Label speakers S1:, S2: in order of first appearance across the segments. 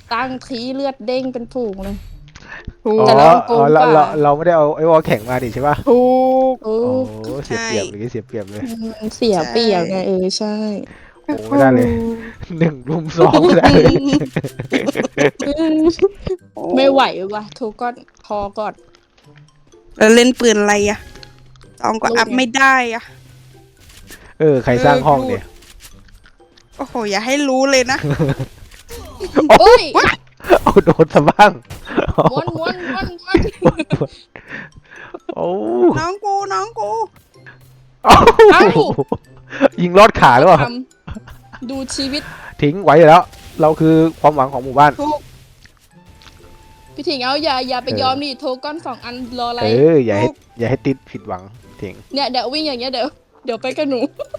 S1: ตั้งทีเลือดเด้งเป็นฝูงเลย
S2: ถูก
S1: แต่เราโกงกว่า
S3: เราไม่ได้เอาไอ้วอลแข่งมาดิใช่ป่ะ
S2: ถูก
S1: โอ้
S3: โอ้เสียเปรียบเลยเสียเปรียบเลย
S1: เสียเปรียบไงใช่
S3: โอ้ไม่ได้เลย1 รุม 2ไม่ได้เลย
S1: ไม่ไหวว่ะทุกก้อนพอก่อน
S2: แล้วเล่นปืนอะไรอะตองก็อัพไม่ได้อะ
S3: ใครสร้างห้องเนี่ย
S2: โอ้โหอย่าให้รู้เลยนะ
S1: โอ้ย
S3: เอาโดนซะบ้าง
S1: ม้วนม้วนม้วนม้วน
S3: โอ้
S2: น้องกู
S3: ยิงลอดขาหรือเปล่า
S1: ดูชีวิต
S3: ทิ้งไว้อยู่แล้ว เราคือความหวังของหมู่บ้าน
S2: ถูก
S1: พี่ถิงเอาอย่าไปยอมดิโทรก้อน2 อันรออะไร
S3: อย่าให้ติดผิดหวังทิ้ง
S1: เนี่ยเดี๋ยววิ่งอย่างเงี้ยเดี๋ยวไปกับหนู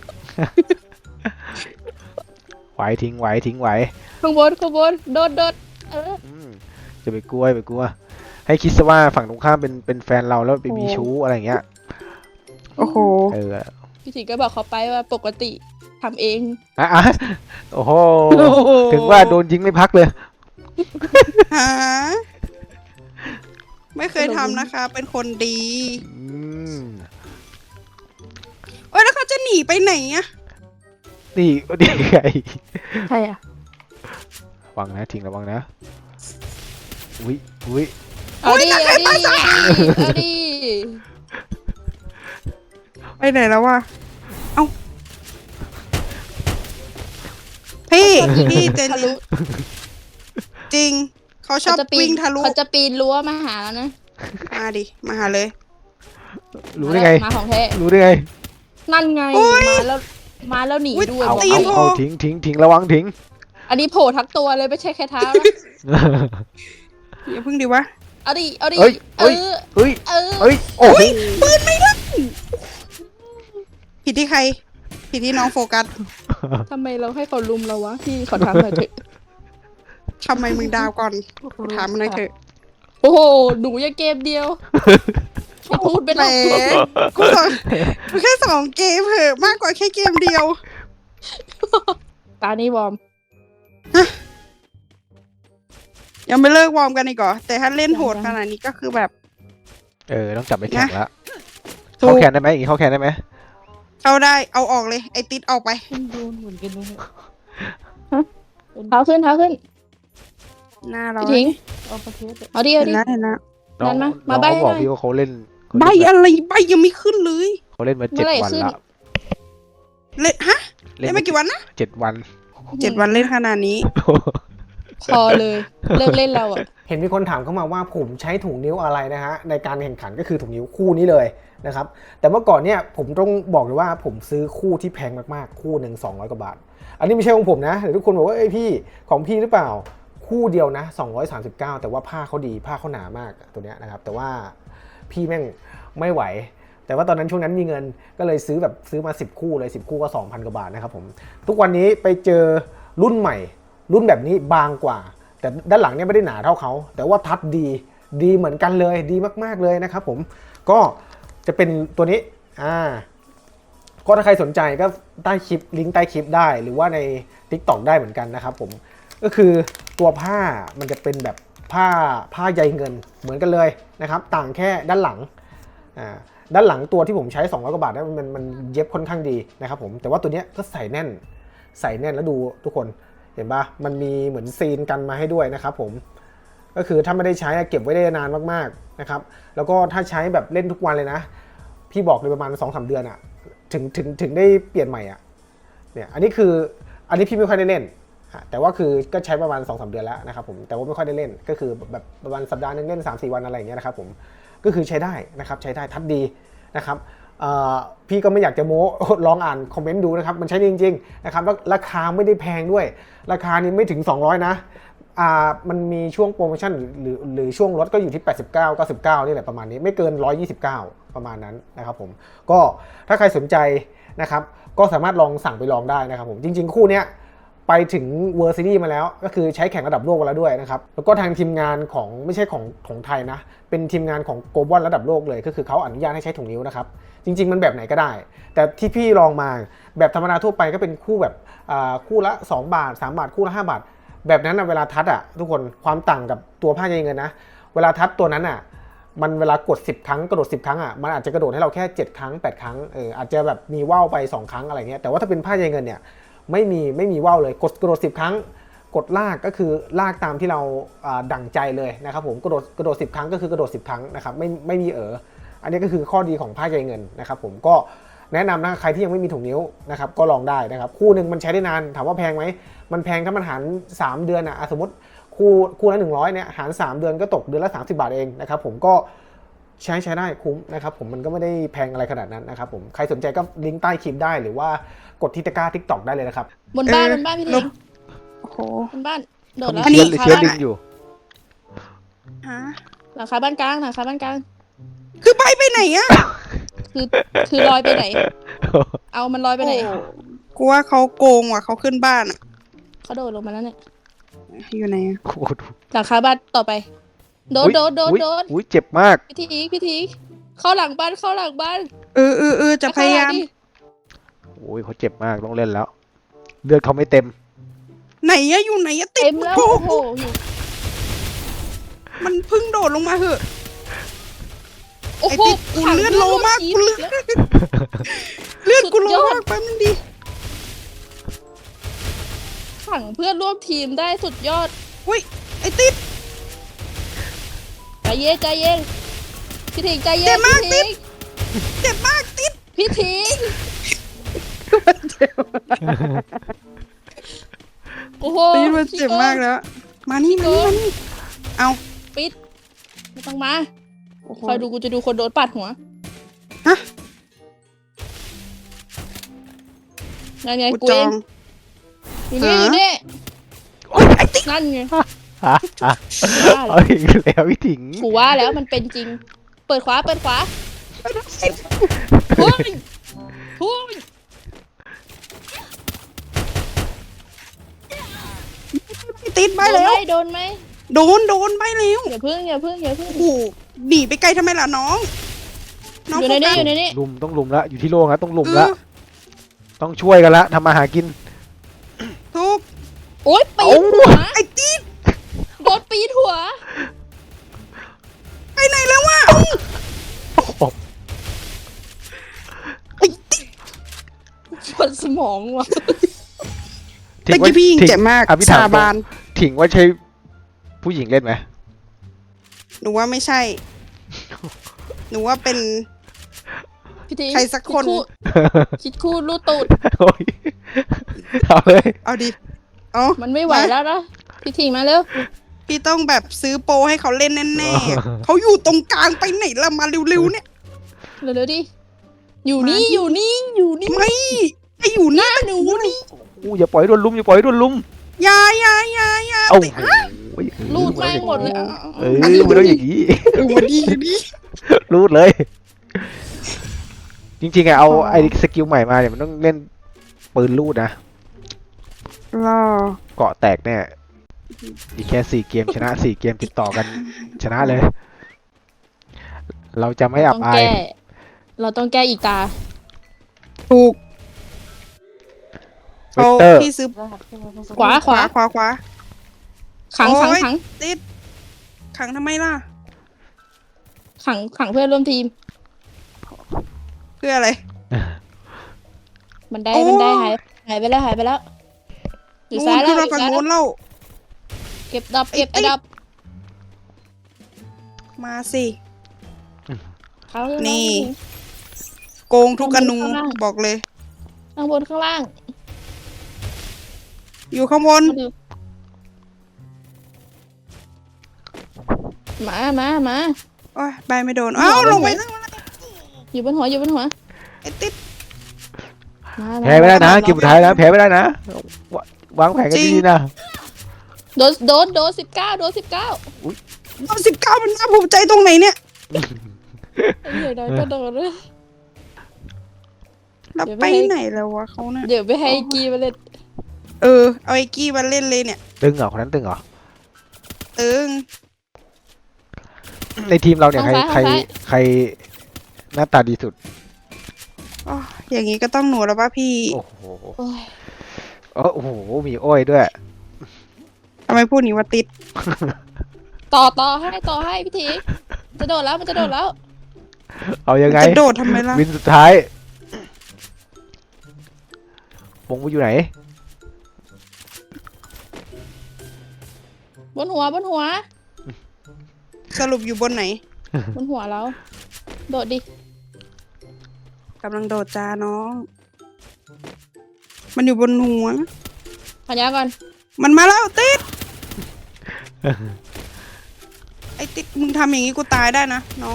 S3: ไว้ทิ้งไว้
S1: ข้างบนโดด
S3: จะไปกลัวให้คิดซะว่าฝั่งตรงข้ามเป็นแฟนเราแล้วไปมีชู้อะไรอย่างเงี้ย
S2: โอ้โห
S1: พี่ถิงก็บอกเขาไปว่าปกติทำเอง
S3: โอ้โหถึงว่าโดนยิงไม่พักเลย
S2: หาไม่เคยทำนะคะ เป็นคนดีโอ้ยแล้วเขาจะหนีไปไหนอะ
S3: นี่ไง
S1: ใช่อ่ะ
S3: ระวังนะทิ้งระวังนะอุ้ย
S1: เอาดิ
S2: ไปไหนแล้ววะเอ้าพี่เจนนี่จริงเขาชอบวิ่งทะลุ
S1: เขาจะปีนรั้วมาหาแล้วนะ
S2: มาหาเลย
S3: รู้ได้ไง
S1: มาของแท้
S3: รู้ได้ไง
S1: นั่นไงมาแล้วหนีด้วย
S3: เอาทิ้งระวังทิ้ง
S1: อันนี้โผล่ทั้งตัวเลยไม่ใช่แค่เท้านะ
S2: อย่าพึ่งดิวะ
S1: เอาดิ
S3: เฮ้ยโอ้โห
S2: ปืนไม่ได้ผิดที่ใครผิดที่น้องโฟกัส
S1: ทำไมเราให้เขาลุมเราวะพี่ขอถามหน่อยเถอะ
S2: ทำไมมึงดาวก่อนถามมันหน่อยเถอะ
S1: โอ้โหหนูยังเกมเดียวพูดไป
S2: แหม
S1: แล้ว
S2: กูแค่2 เกมเหอะมากกว่าแค่เกมเดียว
S1: ตานี้วอร์ม
S2: ยังไม่เลิกวอร์มกันอีกเหรอแต่ถ้าเล่นโหดขนาดนี้ก็คือแบบ
S3: ต้องจับไปแข่งแล้ว
S2: ถูก
S3: เข้าแข่งได้ไหมอย่างนี้เข้าแข่งได้ไหม
S2: เข้าได้เอาออกเลยไอติดออกไป
S1: โดนเหมือนกันเลยเท้าขึ้น
S2: หน้าเรา
S1: พี่ทิ้งเอาดิ
S2: เห็นแล้ว
S1: นั่นมา
S3: น้อง
S1: ใบ้
S3: เขาบอก
S1: หน่อย
S3: พี่ว่าเขาเล่น
S2: ใบอะไรใบยังไม่ขึ้นเลย
S3: เขาเล่นมา
S1: เมื่อไหร่
S3: 7 วัน
S1: ขึ้น
S3: ละ
S2: เล่นฮะเล่นมากี่วันนะ
S3: 7 วัน
S2: 7 วันเล่นขนาดนี้
S1: พอเลยเลิกเล่นเราอ่ะ
S4: เห็นมีคนถามเข้ามาว่าผมใช้ถุงนิ้วอะไรนะฮะในการแข่งขันก็คือถุงนิ้วคู่นี้เลยนะครับแต่เมื่อก่อนเนี่ยผมต้องบอกเลยว่าผมซื้อคู่ที่แพงมากๆคู่หนึ่ง200 กว่าบาทอันนี้ไม่ใช่ของผมนะแต่ทุกคนบอกว่าเอ้ยพี่ของพี่หรือเปล่าคู่เดียวนะ239แต่ว่าผ้าเขาดีผ้าเขาหนามากตัวเนี้ยนะครับแต่ว่าพี่แม่งไม่ไหวแต่ว่าตอนนั้นช่วงนั้นมีเงินก็เลยซื้อมา10 คู่เลย10 คู่ก็ 2,000 กว่าบาทนะครับผมทุกวันนี้ไปเจอรุ่นใหม่รุ่นแบบนี้บางกว่าแต่ด้านหลังเนี่ยไม่ได้หนาเท่าเขาแต่ว่าทัดดีเหมือนกันเลยดีมากๆเลยนะครับผมก็จะเป็นตัวนี้ก็ถ้าใครสนใจก็ใต้คลิปลิงก์ใต้คลิปได้หรือว่าใน TikTok ได้เหมือนกันนะครับผมก็คือตัวผ้ามันจะเป็นแบบผ้าใยเงินเหมือนกันเลยนะครับต่างแค่ด้านหลังด้านหลังตัวที่ผมใช้200 กว่าบาทนะมันเย็บค่อนข้างดีนะครับผมแต่ว่าตัวเนี้ยก็ใส่แน่นแล้วดูทุกคนเห็นปะมันมีเหมือนซีนกันมาให้ด้วยนะครับผมก็คือถ้าไม่ได้ใช้เก็บไว้ได้นานมากๆนะครับแล้วก็ถ้าใช้แบบเล่นทุกวันเลยนะพี่บอกเลยประมาณ 2-3 เดือนอะถึงได้เปลี่ยนใหม่อะเนี่ยอันนี้พี่ไม่ค่อยได้เล่นแต่ว่าคือก็ใช้ประมาณ 2-3 เดือนแล้วนะครับผมแต่ว่าไม่ค่อยได้เล่นก็คือแบบประมาณสัปดาห์นึงเล่น 3-4 วันอะไรอย่างเงี้ยนะครับผมก็คือใช้ได้นะครับใช้ได้ทัดดีนะครับพี่ก็ไม่อยากจะโม้ลองอ่านคอมเมนต์ดูนะครับมันใช้จริงๆนะครับแล้วราคาไม่ได้แพงด้วยราคานี้ไม่ถึง200นะมันมีช่วงโปรโมชั่นหรือช่วงลดก็อยู่ที่89 99นี่แหละประมาณนี้ไม่เกิน129ประมาณนั้นนะครับผมก็ถ้าใครสนใจนะครับก็สามารถลองสั่งไปลองได้นะครับผมจริงๆคู่เนี้ยไปถึง World Series มาแล้วก็คือใช้แข่งระดับโลกมาแล้วด้วยนะครับแล้วก็ทางทีมงานของไม่ใช่ของไทยนะเป็นทีมงานของโกลบอลระดับโลกเลยก็คือเขาอนุญาตให้ใช้ถุงนิ้วนะครับจริงๆมันแบบไหนก็ได้แต่ที่พี่ลองมาแบบธรรมดาทั่วไปก็เป็นคู่แบบคู่ละ2 บาท3 บาทคู่ละ5 บาทแบบนั้นเวลาทัดทุกคนความต่างกับตัวผ้าใยเงินนะเวลาทัดตัวนั้นมันเวลากด10ครั้งกระโดด10ครั้งมันอาจจะกระโดดให้เราแค่7ครั้ง8ครั้งอาจจะแบบมีว่าวไป2ครั้งอะไรเงี้ยแต่ว่าถ้าเป็นผ้าใยเงินเนี่ยไม่มีว่าวเลยกระโดด10ครั้งกดลากก็คือลากตามที่เราดั่งใจเลยนะครับผมกระโดด10ครั้งก็คือกระโดด10ครั้งนะครับไม่มีอันนี้ก็คือข้อดีของผ้าใยเงินนะครับผมก็แนะนำนะใครที่ยังไม่มีถุงนิ้วนะครับก็ลองได้นะครับคู่หนึ่งมันใช้ได้นานถามว่าแพงไหมมันแพงถ้ามันหาร3เดือนสมมติคู่ละ100เนี่ยหาร3เดือนก็ตกเดือนละ30 บาทเองนะครับผมก็ใช้ได้คุ้มนะครับผมมันก็ไม่ได้แพงอะไรขนาดนั้นนะครับผมใครสนใจก็ลิงก์ใต้คลิปได้หรือว่ากดที่ตะกร้า TikTok ได้เลยนะครับ
S1: บนบ้านพี่ทิง
S2: โอ้โห
S1: บนบ้านโดด
S3: มี
S1: แล้ว
S2: อันนี้
S3: เชื้อลิงอยู่
S2: ฮะ
S1: หลังคาบ้านกลางหลังคาบ้านกลาง
S2: คือไปไหนอะ
S1: คือลอยไปไหน เอามันลอยไปไหน
S2: โอ้กูว่าเขาโกงว่ะเขาขึ้นบ้านอะ
S1: เขาโดดลงมาแล้วเนี่ย
S2: อยู่ไหนอะ
S3: โอ้โห
S1: หลังคาบ้านต่อไปโดด
S3: อุ๊ยเจ็บมาก
S1: พี่ทีเข้าหลังบ้าน
S2: เออจะพยายาม
S3: โอ้ยเขาเจ็บมากต้องเล่นแล้ว เลือดเขาไม่เต็ม
S2: ไหนอะอยู่ไหนอะติ
S1: เต็
S2: ด
S1: มแล้ว
S2: โอ้
S1: โอ้
S2: โห
S1: โหอยู่
S2: มันเพิ่งโดดลงมาเหอะ
S1: โอ้
S2: ไอ้
S1: โห
S2: ติดกูเลือดโลมากกูเลือดกูโลมากแป๊บนึงดิ
S1: ขังเพื่อนร่วมทีมได้สุดยอด
S2: อุ้ยไอ้ติด
S1: ใจเย็นพี่ทิงใจเย็
S2: เจ็
S1: น
S2: บมาก
S1: พี่ทิง
S2: เจ็บมากติด
S1: พี่ทิงโอ้โห
S2: ติดมันเจ็บมากแล้ว มานี่เอา
S1: ปิดไม่ต้องมา
S2: โอ้โห
S1: คอยดูกูจะดูคนโดนปัดหัว
S2: ฮะ
S1: นั่นไง
S2: กู
S1: กู
S2: จ
S1: เอ
S2: อง ง
S1: อยู่นี่
S2: โอ้ยไอ้ติด
S1: นั่นไง
S3: เอาอีกแล้วพี่ถิง
S1: กูว่าแล้วมันเป็นจริง เปิดขวาเฮ้ย
S2: ติดไปแล้ว
S1: โดนไหม
S2: โดนไปแล้ว
S1: อย่าพึ่ง
S2: โอ้โหหนีไปไกลทำไมล่ะน้องน้อง
S1: อยู่ในนี้
S2: โฟกัส
S1: อยู่ในนี้
S3: ลุมต้องลุมละอยู่ที่โล่งแล้วต้องลุมละ
S2: เออ
S3: ต้องช่วยกันละทำมาหากิน
S2: ทุก
S1: โอ๊ยปี
S3: เอ้า
S1: นหัว
S2: ไอ้ติด
S1: โดนปีนหัว
S2: ไปไหนแล้ววะไอ้ติด
S1: ปวดสมองว่ะ
S2: ตะกี้พี่ยิงเจ็บมาก
S3: อ่ะพี่ถาม
S2: สาบาน
S3: ถิงว่าใช่ผู้หญิงเล่นไหม
S2: หนูว่าไม่ใช่ หนูว่าเป็น
S1: พี่ที
S2: ใครสักคน
S1: คิดคู่รูดตูด
S3: โอ้ยเอาเลย
S2: เอาดิเอา
S1: มันไม่ไหวแล้วนะพี่ทีมาเร็ว
S2: พี่ต้องแบบซื้อโปรให้เขาเล่นแน่ๆ เขาอยู่ตรงกลางไปไหนละมาเร็วๆเนี่ย
S1: เร็วๆดิอยู่นี่
S2: มาดิ
S1: อยู่นี่อยู่นี่
S2: ไม่ไออยู่หน้าหนูนี่
S3: อู้อย่าปล่อยให้โดนลุมอย่าปล่อยให้โดนลุม
S2: อยา
S3: เอ้า
S2: ติด
S3: โอ้ย
S1: รูดแม่งหมดเลย
S3: เออไม่ต้องอย่างนี้
S2: วันดีดิ
S3: รูดเลย จริงๆเอาไอ้สกิลใหม่มาเนี่ยมันต้องเล่นปืนรูดนะ
S2: รอ
S3: เกาะแตกแน่อีกแค่4 เกมชนะ4 เกมติดต่อกันชนะเลย เราจะไม่อับ
S1: ต้อง
S3: อาย
S1: แก้เราต้องแก้อีกตา
S2: ถูก
S3: เวกเตอร์
S2: พี่ซื้อ
S1: ขวา
S2: ขวา
S1: ขัง
S2: โอ๊ย ติดขังทำไมล่ะ
S1: ขังเพื่อนร่วมทีม
S2: เพื่ออะไร
S1: มันได้
S2: โอ้
S1: หายไปแล้วอยู่ซ้าย
S2: ขึ้
S1: แล้ว
S2: นมาฝั่งโน้นเล่า
S1: เก็บดับไอ้ดับ
S2: มาสิ
S1: เขา
S2: นี่ โกงทุกอนูบอกเลย
S1: ข้างบนข้างล่าง
S2: อยู่ข้างบน
S1: มา
S2: โอ้ยใบไม่โดน เอ้าลงไปนั่ง
S1: อยู่บนหัว
S2: ไอ้ติด
S3: แพ้ไม่ได้นะเกมสุดท้ายนะแพ้ไม่ได้นะวางแผนกันดีๆนะ
S1: โดน19
S2: เอา19มันน่าภูมิใจตรงไหนเนี่ย
S1: เดี๋ยวก็โดนเลย
S2: แล้วไปไหนแล้ววะเขาเนี่ย
S1: เดี๋ยวไปให้กีมาเล่น
S2: เอาไอ้กี้มาเล่นเลยเนี่ย
S3: ตึงเหรอคนนั้นตึงเหรอ
S2: ตึง
S3: ในทีมเราเนี่ยใครหน้าตาดีสุด
S2: อ๋ออย่างงี้ก็ต้องหนูแล้วป่ะพี่
S3: โอ้โห
S1: โอ้ย
S3: โอ้โหมีอ้อยด้วย
S2: ทำไมพูดนี้ว่าติด
S1: ต่อให้พี่ทีจะโดดแล้วมันจะโดดแล้ว
S3: เอายังไง
S2: จะโดดทำไมล่ะ
S3: วินสุดท้าย วงกูอยู่ไหน
S1: บนหัว
S2: สรุปอยู่บนไหน
S1: บนหัวเราโดดดิ
S2: กำลังโดดจ้าน้อง มันอยู่บนหัว
S1: พันยาก่อน
S2: มันมาแล้วติด ไอ้ติดมึงทำอย่างนี้กูตายได้นะน้อง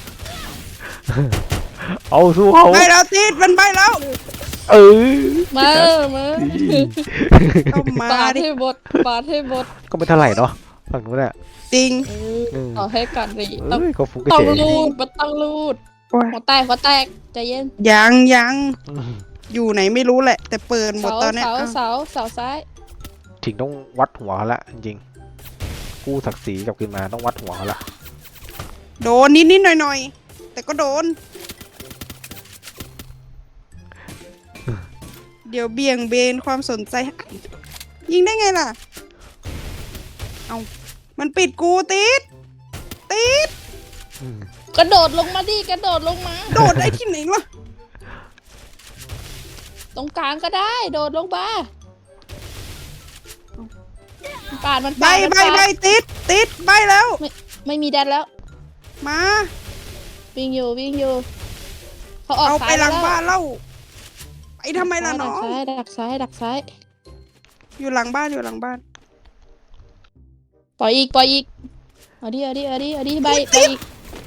S3: เอาสู้เขา
S2: ไปแล้วติดมันไปแล้ว
S3: เออ
S1: มา
S2: ก็มา
S1: ปาด
S2: ดิ
S1: ให้บดปาดให้บด
S3: ก็ไม่เท่าไหร่เนาะฝั่งนู้นอ่ะ
S2: จริง
S1: ต่อให้ก่อนดิ
S3: เอ้ยก็ฟุกก็
S1: ต้อง
S3: เจ๋ง
S1: รูดมันต้องรูด
S2: โอ้ย
S1: หัวแตกใจเย็น
S2: ยังอยู่ไหนไม่รู้แหละ แต่เปิดหมดตอนเนี้ยอ้าว
S1: เสาซ้าย
S3: ถิงต้องวัดหัวเขาละจริงๆกู้ศักดิ์ศรีกลับคืนมาต้องวัดหัวเขาละ
S2: โดนนิดหน่อยแต่ก็โดน เดี๋ยวเบี่ยงเบนความสนใจ ยิงได้ไงล่ะ เอามันปิดกูติด
S1: กระโดดลงมาดิกระโดดลงมา
S2: โดดได้ที่ไหนล่ะ
S1: ตรงกลางก็ได้ โดดลงมาปาดมัน
S2: ใบ
S1: ปาดมัน
S2: ใบ
S1: ปาด
S2: ใบติดใบแล้ว
S1: ไม่มีแดนแล้ว
S2: มา
S1: วิ่งอยู่เขาออก
S2: เอา
S1: ซ้า
S2: ไป
S1: ย
S2: หลัง
S1: แล้ว
S2: บ้านเล่าไปทำไมล่ะน้อง
S1: ดักซ้าย
S2: อยู่หลังบ้าน
S1: ปล่อยอีกเอาดิใบอีก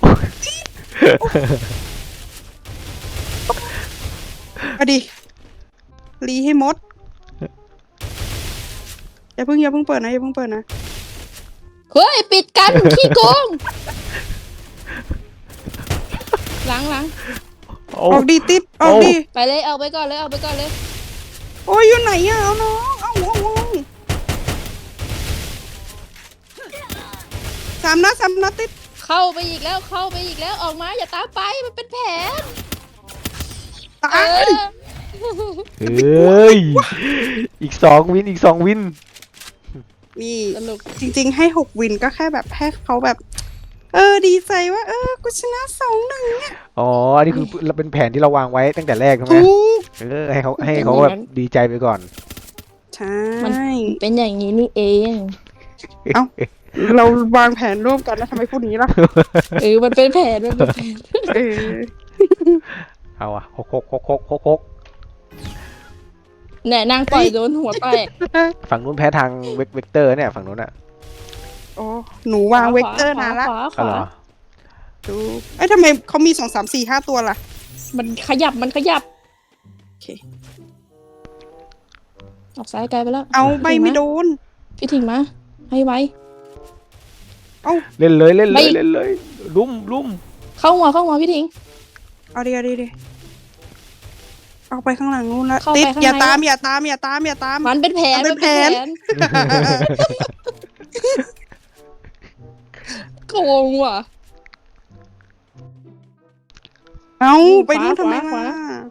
S2: เอาดิรีให้หมด อย่าเพิ่งเปิดนะ
S1: เฮ้ยปิดกัน ขี้โกงหลัง
S3: โอ้
S2: ออกดีติดออกดี
S1: ไปเลยเอาไปก่อนเลย
S2: โอ้ยอยู่ไหนอะเอาน้องเอาสามนัดติด
S1: เข้าไปอีกแล้วออกมาอย่าตามไปมันเป็นแผน
S2: ตา
S1: เอย อ
S3: เอ้ยอีก2 วิน
S2: นี่
S1: สนุก
S2: จริงๆให้6 วินก็แค่แบบให้เขาแบบ ดีใจว่ากูชนะ2-1เนี่ย
S3: อ๋ออันนี้คือเป็นแผนที่เราวางไว้ตั้งแต่แรกใช่ไหม
S2: ถูก
S3: ให้เขาแบบดีใจไปก่อน
S2: ใช่
S1: เป็นอย่างนี้นี่เอง
S2: เราวางแผนร่วมกันแล้วทำไมพูดอย่างนี้ล่ะ
S1: มันเป็นแผน
S2: เออ
S3: เอาอะฮก
S1: เนี่ยนางปล่อยโดนหัวแตก
S3: ฝั่งนู้นแพ้ทางเวกเตอร์เนี่ยฝั่งนู้นอะ
S2: โอ้หนูวางเวกเตอร์นานละ
S1: ขวา
S3: อ๋อเหรอ
S2: ดูทำไมเขามี2 3 4 5 ตัวล่ะ
S1: มันขยับ
S2: โอเค
S1: ออกซ้ายไกลไปแล้ว
S2: เอาใบไม่โดน
S1: พี่ถิงมาให้ไว
S3: เล่นเลย
S1: ไม่
S3: ลุ่ม
S1: เข้าหัวพี่ถิง
S2: เอาดิเอาไปข้างหลังนู้นละ
S1: เข้าไป
S2: ติด
S1: ข้างใน
S2: อย่าตาม
S1: มันเป็นแผน
S2: มันเป็นแผน
S1: โกงว่ะ
S2: เอาไปนู่นทำไม
S1: ขวา
S2: มา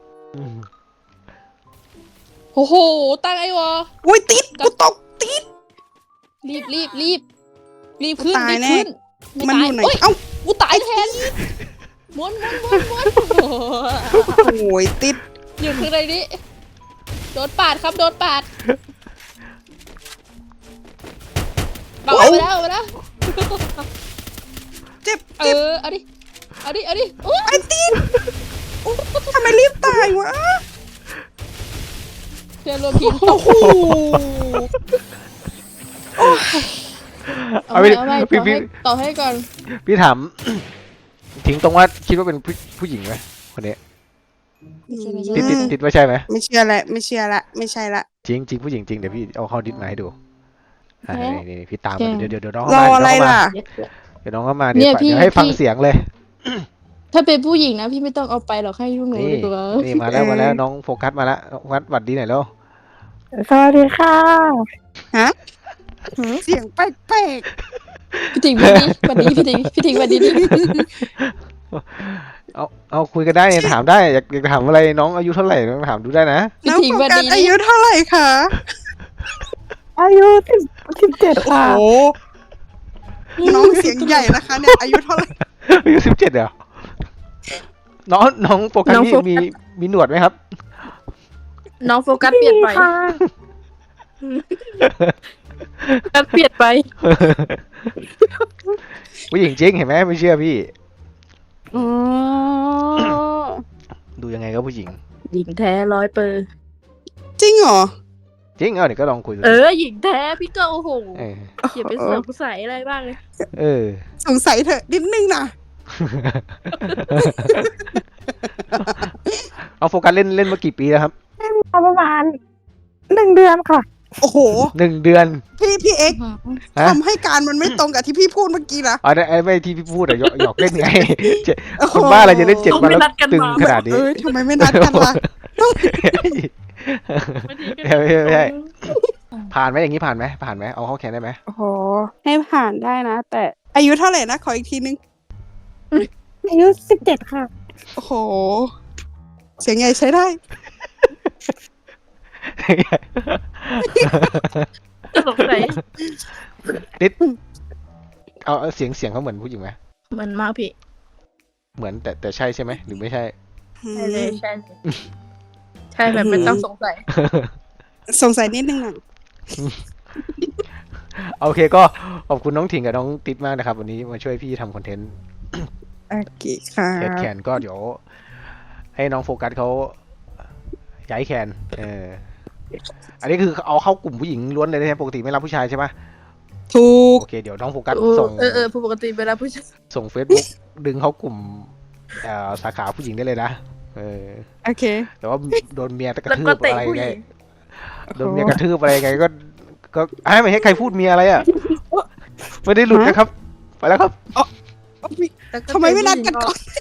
S1: โอ้โหตั้งไอ้วอ
S2: อุ้ยติดกูตกติด
S1: รีบขึ้น
S2: ตายแน่
S1: ขึ้น
S2: มันอยู่ไหน
S1: เอ้ย
S2: เอ้า
S1: กูตายแทนม้วน
S2: โอ้ยติด
S1: อยู่ข้างในนี้โดนปาดครับโดนปาดเอาไปแล้ว
S2: เจ็บ
S1: เอาดิโอ้ย
S2: ไอ้ติดโอ้ทำไมรีบตายวะ
S1: เพื่อนรวมทีมต
S2: โอ้
S1: ก
S2: โห
S1: เอาไปต่อให้ก่อน
S3: พี่ถาม ทิ้งตรงว่าคิดว่าเป็นผู้หญิงไหมคนนี้ติดว่าใช่ไหม
S2: ไม่เชื่อละไม่ใช่ละ
S3: จริงผู้หญิงจริงเดี๋ยวพี่เอาเข้าดิสมาให้ดูนี่พี่ตามมาเดี๋ยวน้อง
S2: ร
S3: เข้า
S2: อ
S3: มา
S2: อะไรล่ะ
S3: เดี๋ยวน้องเข้ามาเดี๋ยวให้ฟังเสียงเลย
S1: ถ้าเป็นผู้หญิงนะพี่ไม่ต้องเอาไปหรอกให้ลูกหนู
S3: นี่
S1: ดีกว่า
S3: นี่มาแล้วน้องโฟกัสมาแล้วโฟกัสหวัดดีหน่อยแล้ว
S5: สวัสดีค่ะ
S2: ฮะเสียงแปลก
S1: พี่ถิงวันนี้พี่ถิงวันนี้
S3: เอาคุยกันได้ถามได้อยากถามอะไรน้องอายุเท่าไหร่น้องถามดูได้นะ
S2: ๆน้องโฟกัสอายุเท่าไหร่คะ
S5: อายุ17
S2: โอ้
S5: ค่ะ
S2: โหน้องเสียงใหญ่นะคะเนี่ยอายุเท่าไหร่
S3: อายุ17เหรอน้องโฟกัสนี่มีหนวดไหมครับ
S1: น้องโฟกัสเปลี่ยนไป
S5: ค่ะ
S1: โฟกัสเปลี่ยนไป
S3: ผู้หญิงจริงเห็นไหมไม่เชื่อพี่
S5: อ๋อ
S3: ดูยังไงก็ผู้หญิง
S1: หญิงแท้100%
S2: จริงเหรอ
S3: จริงเดี๋ยวก็ลองคุยดู
S1: หญิงแท้พี่ก็โอ้โห
S3: เออ
S1: อย่าไปสงสัยอะไรบ้างเลย
S3: เออ
S2: สงสัยเถอะนิดนึงนะ
S3: เอาโฟกัสเล่นมากี่ปีแล้วครับ
S5: ประมาณ1 เดือนค่ะ
S2: โอ้โห
S3: 1 เดือน
S2: พี่เอ็กซ์
S3: ฮะ
S2: ทำให้การมันไม่ตรงกับที่พี่พูดเมื่อกี้นะ
S3: อ๋อไอ้ไม่ที่พี่พูดอะหยอกเล่นไง
S2: โอ้โห
S3: คนบ้าอะไรจะเล่น7 วันแล้ว
S1: ไม่นัดกัน
S3: ตึง
S1: มา
S3: ขนาดนี้
S2: เอ้ยทำไมไม่นัดกันล่ะ
S3: ไม่ใช่ผ่านไหมอย่างนี้ผ่านไหมเอาเข้าแขนได้ไหม
S2: โอ้โห ให้ผ่านได้นะ แต่อายุเท่าไหร่นะ ขออีกทีนึง
S5: อายุ17 ค่ะ
S2: โอ้โห เสียงใหญ่ใช้ได้
S1: สงสัย
S3: นิดเอาเสียงเขาเหมือนผู้หญิงไหม
S1: เหมือนมากพี่
S3: เหมือนแต่ใช่ใช่ไหมหรือไม่ใช่
S1: ใช่เลยใช่เลยใช่แบบไม่ต้องสงสัย
S2: สงสัยนิดนึงนะ
S3: โอเคก็ขอบคุณน้องถิงกับน้องติ๊ดมากนะครับ วันนี้มาช่วยพี่ทำคอนเทนต์
S2: โอเคค่ะ
S3: เทสแคนก็เดี๋ยว ให้น้องโฟกัสเขาย้ายแคนอันนี้คือเอาเข้ากลุ่มผู้หญิงล้วนเลยนะปกติไม่รับผู้ชายใช่ไหม
S2: ถูก
S3: โอเคเดี๋ยวน้องโฟกัสส่ง
S1: ผู้ปกติเวลาผู้ชาย
S3: ส่ง Facebook ดึงเข้ากลุ่มสาขาผู้หญิงได้เลยนะ
S2: โอเค
S3: แต่ว่าโดนเมียกระ
S1: แล้ว
S3: ทื
S1: ก็
S3: บ
S1: เตะ
S3: อะไร
S1: ผู้ห
S3: ไง
S1: ญิง
S3: โดนเมียกระทืบอะไรไงก็ไม่ให้ใครพูดเมียอะไรอ่ะไม่ได้หลุดนะครับ ไปแล้วครับ
S2: ทำไมไม่นัดกันก่อน